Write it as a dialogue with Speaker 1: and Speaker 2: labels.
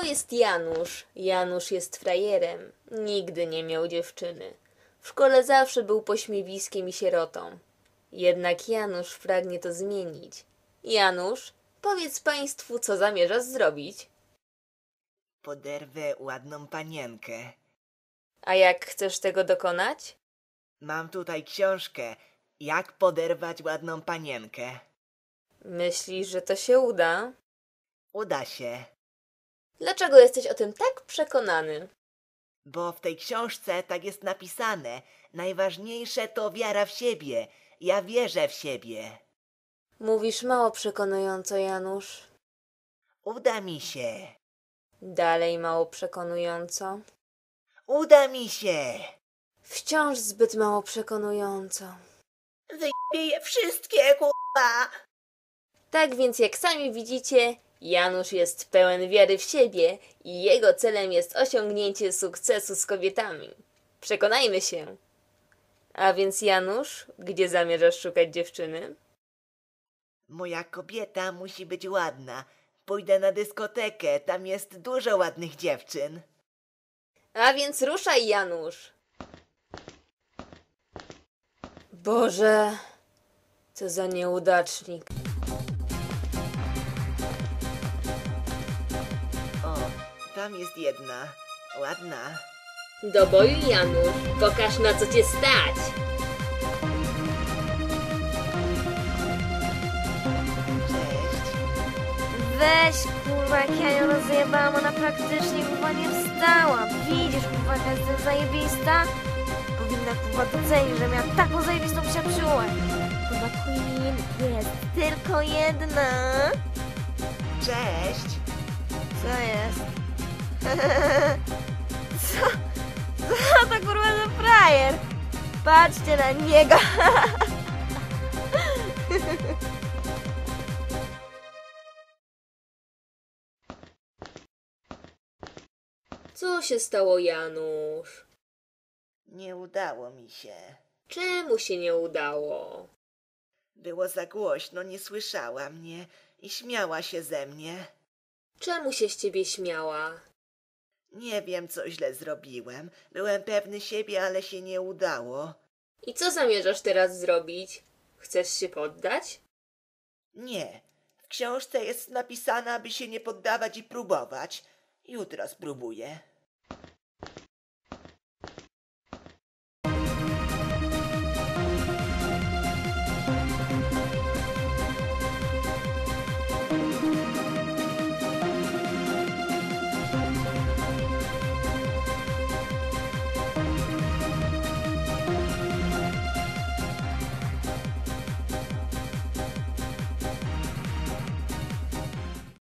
Speaker 1: jest Janusz. Janusz jest frajerem. Nigdy nie miał dziewczyny. W szkole zawsze był pośmiewiskiem i sierotą. Jednak Janusz pragnie to zmienić. Janusz, powiedz państwu, co zamierzasz zrobić.
Speaker 2: Poderwę ładną panienkę.
Speaker 1: A jak chcesz tego dokonać?
Speaker 2: Mam tutaj książkę, jak poderwać ładną panienkę.
Speaker 1: Myślisz, że to się uda?
Speaker 2: Uda się,
Speaker 1: Dlaczego jesteś o tym tak przekonany?
Speaker 2: bo w tej książce tak jest napisane. Najważniejsze to wiara w siebie. Ja wierzę w siebie.
Speaker 1: Mówisz mało przekonująco, Janusz.
Speaker 2: Uda mi się.
Speaker 1: Dalej mało przekonująco.
Speaker 2: Uda mi się.
Speaker 1: Wciąż zbyt mało przekonująco.
Speaker 2: Wyjebie je wszystkie, kurwa.
Speaker 1: Tak więc, jak sami widzicie, Janusz jest pełen wiary w siebie i jego celem jest osiągnięcie sukcesu z kobietami. Przekonajmy się. A więc, Janusz, gdzie zamierzasz szukać dziewczyny?
Speaker 2: Moja kobieta musi być ładna. Pójdę na dyskotekę, tam jest dużo ładnych dziewczyn.
Speaker 1: A więc ruszaj, Janusz! Boże, co za nieudacznik.
Speaker 2: O, tam jest jedna. Ładna.
Speaker 1: Do boju, Janusz! Pokaż, na co cię stać!
Speaker 2: Cześć.
Speaker 3: Weź, kurwa, jak ja ją rozjebałam, ona praktycznie, kurwa, nie wstała. Widzisz, kurwa, jaka jestem zajebista? Powinna, kurwa, docenić, że miała taką zajebistą przyjaciółę. Kurwa, Queen jest tylko jedna.
Speaker 2: Cześć.
Speaker 3: Co jest? Co to, kurwa, za frajer? Patrzcie na niego.
Speaker 1: Co się stało, Janusz?
Speaker 2: Nie udało mi się.
Speaker 1: Czemu się nie udało?
Speaker 2: Było za głośno, nie słyszała mnie i śmiała się ze mnie.
Speaker 1: Czemu się z ciebie śmiała?
Speaker 2: Nie wiem, co źle zrobiłem. Byłem pewny siebie, ale się nie udało.
Speaker 1: I co zamierzasz teraz zrobić? Chcesz się poddać?
Speaker 2: Nie. W książce jest napisane, aby się nie poddawać i próbować. Jutro spróbuję.